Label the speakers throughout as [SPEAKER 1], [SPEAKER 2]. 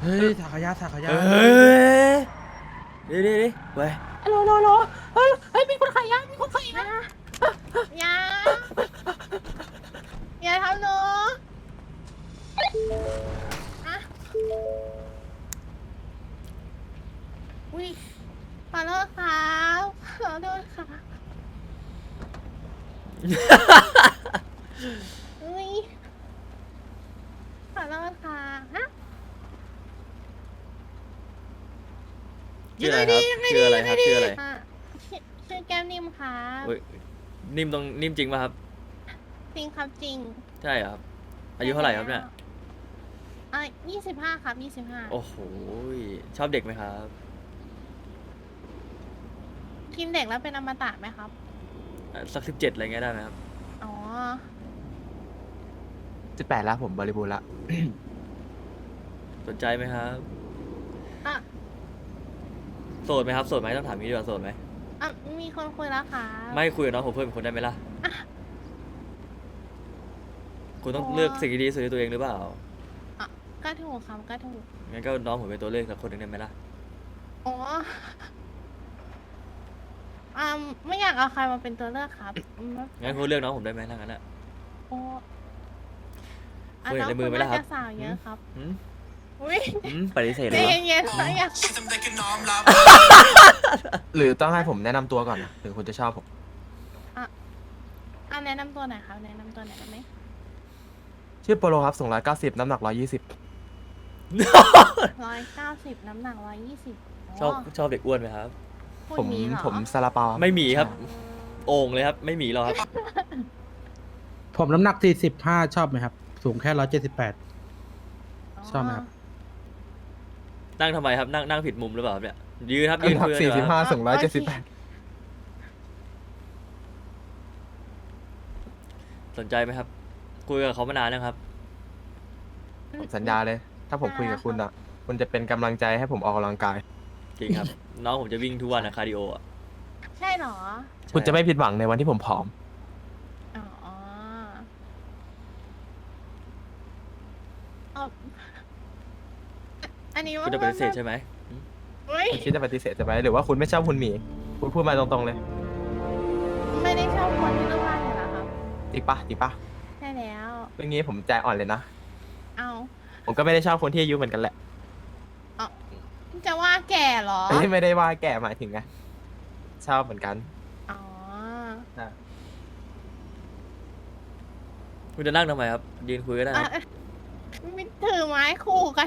[SPEAKER 1] เฮ้ยสักขยะสักขยะ
[SPEAKER 2] เฮ้ยดิเว้ย
[SPEAKER 3] โลเฮ้ยมีคนขายยามีคนขายยาอย่าทำหนูอะอุ้ยขอโทษครับขอโทษค่ะอุ้ยขอโทษค่ะฮะ
[SPEAKER 2] ชื่ออะไรครับชื่ออะไรครับชื่ออะไร
[SPEAKER 3] อ่ะชื่อแก้มนิ่มครับ
[SPEAKER 2] เฮ้ยนิ่มตรงนิ่มจริงป่ะครับ
[SPEAKER 3] จริงครับจริง
[SPEAKER 2] ใช่ครับ อายุเท่าไหร่ครับเนี่ย
[SPEAKER 3] 25ครับ25
[SPEAKER 2] โอ้โหชอบเด็กไหมครับ
[SPEAKER 3] กินเด็กแล้วเป็นอมตะไหมครับ
[SPEAKER 2] สัก17อะไรเงี้ยได้ไหมครับ
[SPEAKER 3] อ๋อ
[SPEAKER 1] 18แล้วผมบริบูรณ์ละ
[SPEAKER 2] สนใจไหมครับ
[SPEAKER 3] อ่ะ
[SPEAKER 2] โสดไหมครับโสดไหมต้องถามนี้ดีกว่าโสดไหม
[SPEAKER 3] อ่ะมีคนคุยแล้วค่ะ
[SPEAKER 2] ไม่คุยกับน้องผมเพิ่มอีกคนได้ไหมล่ะคุณต้องเลือกสิ่งที่ดีที่สุดในตัวเองหรือเปล่า
[SPEAKER 3] อ่ะก็ถูกครับก็ถูก
[SPEAKER 2] งั้นก็น้องผมเป็นตัวเลือกสักคนหนึ่งได้ไหมล่ะ
[SPEAKER 3] อ๋อไม่อยากเอาใครมาเป็นตัวเลือกครับไม่
[SPEAKER 2] งั้นคุณเลือกน้องผมได้ไหมถ้างั้นอะ
[SPEAKER 3] โอ้
[SPEAKER 2] คุยในมือไหมล่ะครับ
[SPEAKER 3] น้องณน่าจสาวเยอะครับ
[SPEAKER 2] หืม
[SPEAKER 3] อุ้ย
[SPEAKER 2] ปฏิเสธ
[SPEAKER 3] ใจ
[SPEAKER 2] เลยเหรอ
[SPEAKER 3] เย็นๆนะอยาก
[SPEAKER 1] หรือต้องให้ผมแนะนำตัวก่อนนะหรือคุณจะชอบผม
[SPEAKER 3] แนะนำตัวหน่อยครับแนะนำตัวหน่อยได้ไหม
[SPEAKER 1] ชื่อโปโลครับสูง190น้ำหนัก120
[SPEAKER 3] 190น้ำหนัก120
[SPEAKER 2] ชอบเด็กอ้วนไหมครับ
[SPEAKER 3] คุณมีเหรอ
[SPEAKER 1] ผมซาลาเปา
[SPEAKER 2] ไม่มีครับ โอ่งเลยครับ ไม่มีหรอกครับ
[SPEAKER 4] ผมน้ำหนัก45ชอบไหมครับ สูงแค่178 ชอบไหมครับ
[SPEAKER 2] นั่งทำไมครับ นั่งผิดมุมหรือเปล่าครับเนี่ย ยืนครับยืน
[SPEAKER 1] น้ำหนัก
[SPEAKER 2] คุยกันดีกว่า
[SPEAKER 1] 45สูง178
[SPEAKER 2] สนใจไหมครับ คุยกับเขามานานแล้วครับ
[SPEAKER 1] ผมสัญญาเลย ถ้าผมคุยกับคุณอ่ะ คุณจะเป็นกำลังใจให้ผมออกกำลังกาย
[SPEAKER 2] จริงครับ น้องผมจะวิ่งทุกวันนะคาร์ดิโออ่ะ
[SPEAKER 3] ใช่เหรอ
[SPEAKER 1] คุณจะไม่ผิดหวังในวันที่ผมผอม
[SPEAKER 3] อ๋อเอาอันนี้ว่า
[SPEAKER 2] คุณจะปฏิเสธใช่ไหม
[SPEAKER 3] เฮ้ย
[SPEAKER 1] คุณคิดจะปฏิเสธจะไหมหรือว่าคุณไม่ชอบคุณหมี คุณพูดมาตรงๆเลย
[SPEAKER 3] ไม่ได้ชอบคนที่รูปร่างอยู่แล้วครับ
[SPEAKER 1] จริงปะจริงปะ
[SPEAKER 3] ใช่แล้ว
[SPEAKER 1] เรื่องนี้ผมใจอ่อนเลยนะ
[SPEAKER 3] เอา
[SPEAKER 1] ผมก็ไม่ได้ชอบคนที่อายุเหมือนกันแหละ
[SPEAKER 3] จะว่าแก่เหรอ
[SPEAKER 1] ไม่ได้ว่าแก่หมายถึงไงชอบเหมือนกัน
[SPEAKER 3] อ๋อ
[SPEAKER 2] คุณจะนั่งทำไมครับ ยืนคุยก็ได้ครับ
[SPEAKER 3] ไม่ถือไม้คู่กัน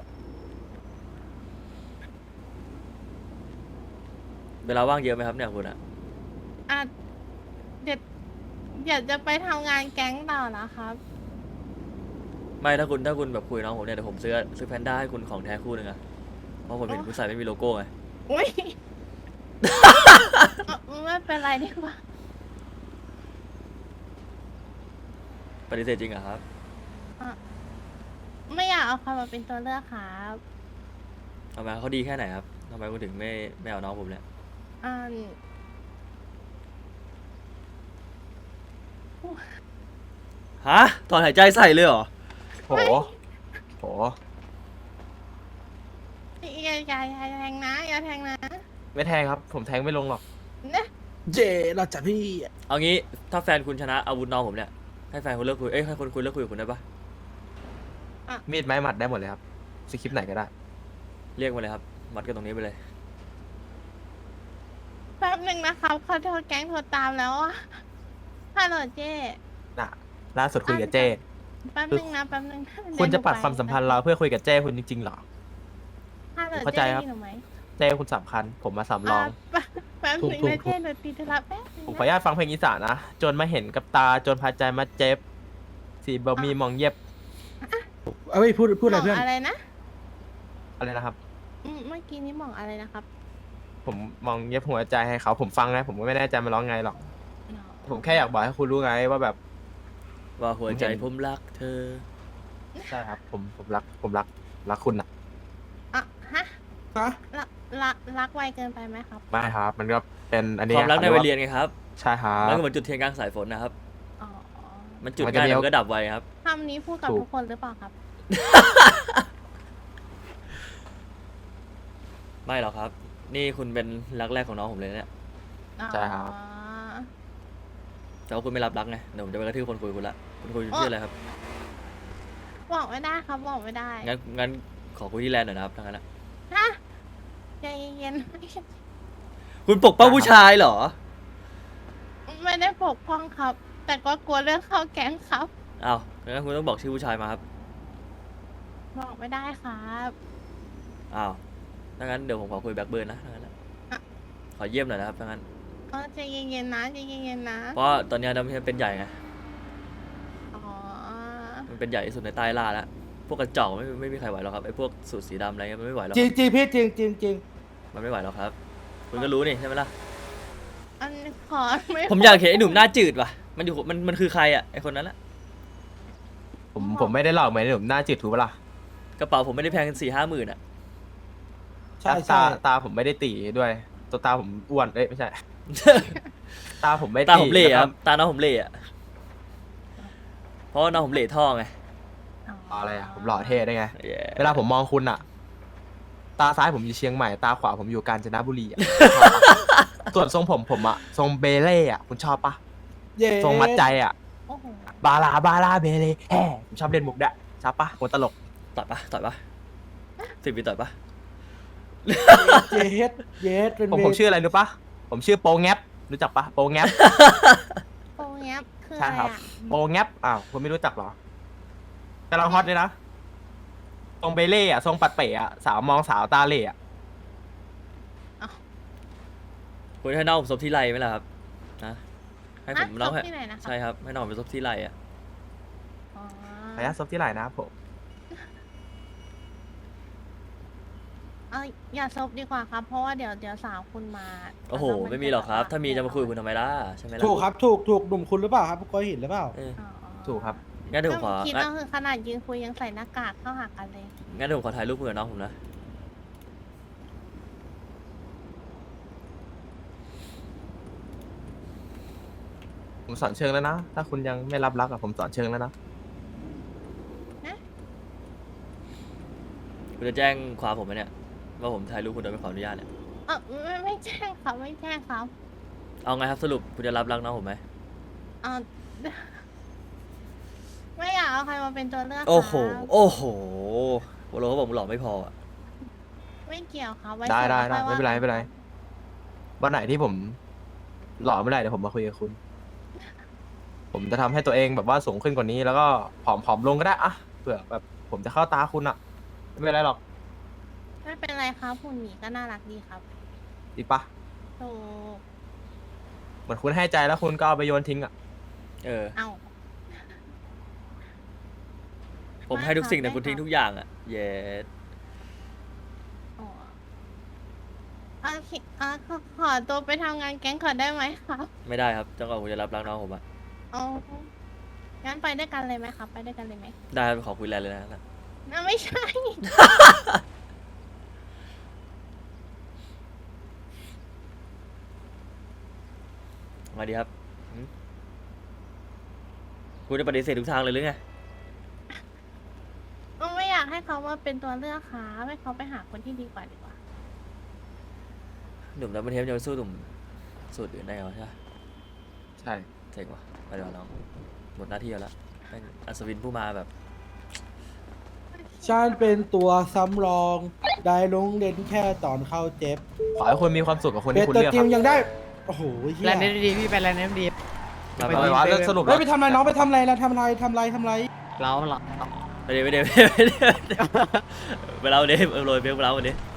[SPEAKER 2] เวลาว่างเยอะไหมครับเนี่ยคุณอะ
[SPEAKER 3] อ่ะเดี๋ยวจะไปทำงานแก๊งต่อนะครับ
[SPEAKER 2] ไม่ถ้าคุณแบบคุยกับน้องผมเนี่ยเดี๋ยวผมซื้อแพนด้าให้คุณของแท้คู่หนึ่งอะเพราะผมเห็นคุณใส่ไม่มีโลโก้ไง
[SPEAKER 3] อุ้ย ไม่เป็นไรดีกว่า
[SPEAKER 2] ปฏิเสธจริงเหรอครับ
[SPEAKER 3] ไม่อยากเอาใครมาเป็นตัวเลือกครับ
[SPEAKER 2] ทำไมเขาดีแค่ไหนครับทำไมคุณถึงไม่เอาน้องผมเนี่ย
[SPEAKER 3] อ่า
[SPEAKER 2] ฮะตอนหายใจใส่เลยเหรอ
[SPEAKER 1] โห โห
[SPEAKER 3] อย่าแทงนะอย่าแทงนะ
[SPEAKER 1] ไม่แทงครับ ผมแทงไม่ลงหรอก
[SPEAKER 3] นะ
[SPEAKER 4] เจเราจัดพี่
[SPEAKER 2] เอางี้ถ้าแฟนคุณชนะอาวุธน้องผมเนี่ยให้แฟนคุณเลิกคุยให้คนคุยเลิกคุยกับคุณได้ปะ
[SPEAKER 1] มีดไม้หมัดได้หมดเลยครับสคริปต์ไหนก็ได้
[SPEAKER 2] เรียกมาเลยครับมัดกันตรงนี้ไปเลย
[SPEAKER 3] แป๊บหนึ่งนะครับเขาโทรแก๊งโทรตามแล้วอะฮัลโหลเจ้
[SPEAKER 1] น่ะ ล่าสุดคุยกับเจ้
[SPEAKER 3] แป๊บหนึ่งนะแป๊บหนึ่ง
[SPEAKER 1] คุณจะปัดความสัมพันธ์เราเพื่อคุยกับเจ้คุณจริงๆเหรอ
[SPEAKER 3] ฮัลโหล
[SPEAKER 1] เข้าใจ
[SPEAKER 3] เจ้
[SPEAKER 1] ครับ
[SPEAKER 3] ได้ยินหนูไหม
[SPEAKER 1] เจ้คุณสำคัญ ผมมาสำรอง
[SPEAKER 3] แป๊บหนึ่งนะเจ้หนูตีธุระแป๊บหนึ่ง
[SPEAKER 1] ผมขออนุญาตฟังเพลงอีสานนะ จนมาเห็นกับตา จนพาใจมาเจ็บ สีบะมีมองเย็บ
[SPEAKER 4] เอาไว้พูดอะไรเพื่อน
[SPEAKER 3] อะไรนะ
[SPEAKER 1] อะไรนะครับ
[SPEAKER 3] เมื่อกี้นี้หมองอะไรนะครับ
[SPEAKER 1] ผมมองเย็บหัวใจให้เขา ผมฟังนะ ผมก็ไม่แน่ใจมันร้องไงหรอก ผมแค่อยากบอกให้คุณรู้ไงว่าแบบ
[SPEAKER 2] ว่าหัวใจผมรักเธอ
[SPEAKER 1] ใช่ครับ ผมรักคุณนะ
[SPEAKER 3] อ่ะฮะ
[SPEAKER 4] ฮะ
[SPEAKER 3] รักไวเกินไปไหมครับ
[SPEAKER 1] ไม่ครับ มันก็เป็นอัน
[SPEAKER 2] ค
[SPEAKER 1] นี้
[SPEAKER 2] วามรักในวัยเรียนไงครับ
[SPEAKER 1] ใช่ครับ
[SPEAKER 2] มันก็เหมือนจุดเทียนกลางสายฝนนะครับ
[SPEAKER 3] อ๋อ
[SPEAKER 2] มันจุดง่ายแต่มันก็ดับไวครับ
[SPEAKER 3] คำนี้พูดกับทุกคนหรือเปล่าครับ
[SPEAKER 2] ไม่หรอกครับ นี่คุณเป็นรักแรกของน้องผมเลยเนี่ย
[SPEAKER 1] ใช่ครับ
[SPEAKER 3] อ๋อ
[SPEAKER 2] แต่ว่าคุณไม่รับรักไงเดี๋ยวผมจะไปกระทืบคนคุยคุณละคุณคุยชื่ออะไรครับ
[SPEAKER 3] บอกไม่ได้ครับบอกไม่ได้
[SPEAKER 2] งั้นขอคุยที่แลนด์หน่อยนะครับทั้งนั้นนะ
[SPEAKER 3] ฮะใจเย็น
[SPEAKER 2] คุณปกป้องผู้ชายเหรอ
[SPEAKER 3] ๆไม่ได้ปกป้องครับ แต่ก็กลัวเรื่องเข้าแก๊งครับ
[SPEAKER 2] อ้าวงั้นคุณต้องบอกชื่อผู้ชายมาครับ
[SPEAKER 3] บอกไม่ได้ครับ
[SPEAKER 2] อ้าวถ้างั้นเดี๋ยวผมขอคุยแบ็คเบิร์นนะถ้างั้นนะ
[SPEAKER 3] อ่ะ
[SPEAKER 2] ขอเยี่ยมหน่อยนะครับถ้างั้น
[SPEAKER 3] ใจเย็นๆนะใจเย็นๆนะ
[SPEAKER 2] เพราะตอนนี้ดำเป็นใหญ่ไง
[SPEAKER 3] อ๋อ
[SPEAKER 2] มันเป็นใหญ่ที่สุดในใต้ล่าแล้ว พวกกระจอกไม่มีใครไหวหรอกครับไอ้พวกสูตรสีดำอะไรเงี้ยมันไม่ไหวหรอก
[SPEAKER 4] จริงจริงพี่จริงจริงจริง
[SPEAKER 2] มันไม่ไหวหรอกครับ คุณก็รู้นี่ใช่ไหมล่ะ
[SPEAKER 3] อันขอไม่
[SPEAKER 2] ผมอยากเห็นไอ้หนุ่มหน้าจืดว่ะ มันคือใครอ่ะไอ้คนนั้นแหละ
[SPEAKER 1] ผมไม่ได้หลอกเหมือนผมหน้าจืดถูกปะล่ะ
[SPEAKER 2] กระเป๋าผมไม่ได้แพง4-5 หมื่นอ่ะ
[SPEAKER 4] ใช่
[SPEAKER 1] ตา
[SPEAKER 4] ใช่
[SPEAKER 1] ตาผมไม่ได้ตีด้วย ตัวตาผมอ้วนเอ้ยไม่ใช่ ตาผมไม่
[SPEAKER 2] ตาผมเหล่
[SPEAKER 1] นะ
[SPEAKER 2] ครับตาน้องผมเหล่อะเพราะว่าน้องผมเหล่ท่อไง
[SPEAKER 1] อะไรอะผมหล่อเท่ได้ไง
[SPEAKER 2] เย้
[SPEAKER 1] เวลาผมมองคุณอะตาซ้ายผมอยู่เชียงใหม่ ตาขวาผมอยู่กาญจนบุรีอะ ส่วนทรงผมอะทรงเบเล่อะคุณชอบปะ
[SPEAKER 4] เย้
[SPEAKER 1] ทรงมัดใจอะ
[SPEAKER 3] โอ้โห
[SPEAKER 1] บาลาเบเล่แฮ่ผมชอบเล่นมุกด้วยชอบปะคนตลก
[SPEAKER 2] ต่อยปะ10 ปีต่อยปะ
[SPEAKER 4] เย็ดเย็ดเป็น
[SPEAKER 1] ผมชื่ออะไรรู้ปะผมชื่อโปงแงบรู้จักปะโปงแงบ
[SPEAKER 3] โปรแงบคือ
[SPEAKER 1] ใช่
[SPEAKER 3] อะไร
[SPEAKER 1] ครับ
[SPEAKER 3] อ่ะ
[SPEAKER 1] โปงแงบอ้าวคุณไม่รู้จักเหรอกำลังฮอตเลยนะทรงเบเล่อะทรงปัดเป๋อะสาวมองสาวตาเหล่อะ
[SPEAKER 2] คุณให้น้องผมซบที่ไรไหมล่ะครับนะให้ผมน้อง
[SPEAKER 3] ะที่ไหนนะคะ
[SPEAKER 2] ใช่ครับให้น้องผมไปซบที่ไรอ่ะ
[SPEAKER 3] อ๋อ
[SPEAKER 1] ขออนุญาตซบที่ไหนนะครับผม
[SPEAKER 3] เอาอย่าซบดีกว่าครับ เพราะว่าเดี๋ยวสาวคุณมา
[SPEAKER 2] โอ้โห
[SPEAKER 3] แล้วน
[SPEAKER 2] ไม่มีหรอกครับ
[SPEAKER 3] จ
[SPEAKER 2] ถ้ามีจะมาคุยกับคุณทำไมล่ะใช่ไหมล่ะ
[SPEAKER 4] ถูกครับถูกหนุ่มคุณหรือเปล่าครับก้อยหินหรือเปล่า
[SPEAKER 2] เออ
[SPEAKER 3] อ๋อ
[SPEAKER 1] ถูกครับ
[SPEAKER 2] งั้นเดี๋ยวผมขอ
[SPEAKER 3] คิดว่าคือขนาดยืนคุยยังใส่หน้ากากเข้าหากันเลย
[SPEAKER 2] งั้นเดี๋ยวผมขอถ่ายรูปเพื่อนน้องผมนะ
[SPEAKER 1] ผมสอนเชิงแล้วนะ ถ้าคุณยังไม่รับรักอะผมสอนเชิงแล้วนะ
[SPEAKER 2] คุณจะแจ้งความผมไหมเนี่ยว่าผมถ่ายรูปคุณโดยไม่ขออนุญาตเนี่ย
[SPEAKER 3] ไม่แจ้งครับไม่แจ้งครับ
[SPEAKER 2] เอาไงครับสรุปคุณจะรับรักน้องผมไหม
[SPEAKER 3] เอา ไม่อยากเอาใครมาเป็นตัวเลือก
[SPEAKER 2] โอ้โห
[SPEAKER 3] ครับ
[SPEAKER 2] โอ้โหโปโลเขาบอกมึงหล่อไม่พออะ
[SPEAKER 3] ไม่เกี่ยวครับว้
[SPEAKER 1] ได้
[SPEAKER 3] ส่ง
[SPEAKER 1] ไม่
[SPEAKER 3] ค่อย
[SPEAKER 1] เป็นไร
[SPEAKER 3] ว่า
[SPEAKER 1] ไม่เป็นไร วันไหนที่ผมหล่อไม่ได้เดี๋ยวผมมาคุยกับคุณ ผมจะทำให้ตัวเองแบบว่าสูงขึ้นกว่านี้ แล้วก็ผอมลงก็ได้อะเผื่อแบบผมจะเข้าตาคุณอะไม่เป็นไรหรอก
[SPEAKER 3] ไม่เป็นไรครับหุ่นหมีก็น่ารักดีครับ
[SPEAKER 1] ดีปะ
[SPEAKER 3] ถูก
[SPEAKER 1] เหมือนคุณให้ใจแล้วคุณก็เอาไปโยนทิ้งอะ
[SPEAKER 2] เออ
[SPEAKER 3] เอา
[SPEAKER 2] ผมให้ทุกสิ่งแต่คุณทิ้งทุกอย่างอะเย้
[SPEAKER 3] อ๋อโอเคขอตัวไปทำงานแก๊งก่อนได้ไหมครับ
[SPEAKER 2] ไม่ได้ครับจนกว่าคุณจะรับรักน้องผมอะ
[SPEAKER 3] อ๋องั้นไปด้วยกันเลยไหมครับ ไปด้วยกันเลยไหม
[SPEAKER 2] ได้ครับขอคุยแลนเลยนะ
[SPEAKER 3] น่าไม่ใช่
[SPEAKER 2] มาดีครับหืมคุณจะปฏิเสธทุกทางเลยหรือไง
[SPEAKER 3] ไม่อยากให้เขามาเป็นตัวเลือกครับให้เขาไปหาคนที่ดีกว่าดีกว่า
[SPEAKER 2] หนุ่มดับเบิลเทปจะไปสู้หนุ่มสูตรอื่นได้เหรอใช่ปะ
[SPEAKER 1] ใช่
[SPEAKER 2] เจ๋งว่ะไปเดี๋ยวน้องหมดหน้าที่แล้วแม่งอัศวินผู้มาแบบ
[SPEAKER 4] ฉันเป็นตัวซ้ำรอง ได้ลงเด่นแค่ตอนเข้าเจ็บ
[SPEAKER 1] ขอให้คุณมีความสุขกับคน
[SPEAKER 4] เป็
[SPEAKER 1] ที่
[SPEAKER 4] ด
[SPEAKER 1] คุณ
[SPEAKER 4] ตัว
[SPEAKER 1] เลือก
[SPEAKER 4] จริ
[SPEAKER 1] ค
[SPEAKER 4] ง
[SPEAKER 1] รับ
[SPEAKER 4] ยังได้ โอ้โหเฮีย
[SPEAKER 5] แลนด์ดีพี่ไปแลนด์ดี
[SPEAKER 2] มา
[SPEAKER 1] เอาไว้ว่าเรื่องสรุป
[SPEAKER 4] เฮ้ย
[SPEAKER 1] แล้ว
[SPEAKER 4] ไปทำอะไรน้องไปทำอะไรแล้วทำอะไร
[SPEAKER 5] เรา
[SPEAKER 2] ไปเดี๋ยวไปเดี๋ยวไปเดี๋ยวไปเดี๋ยวไปเดี๋ยวไปเดี๋ยวไปเดี๋ยวไปเดี๋ยว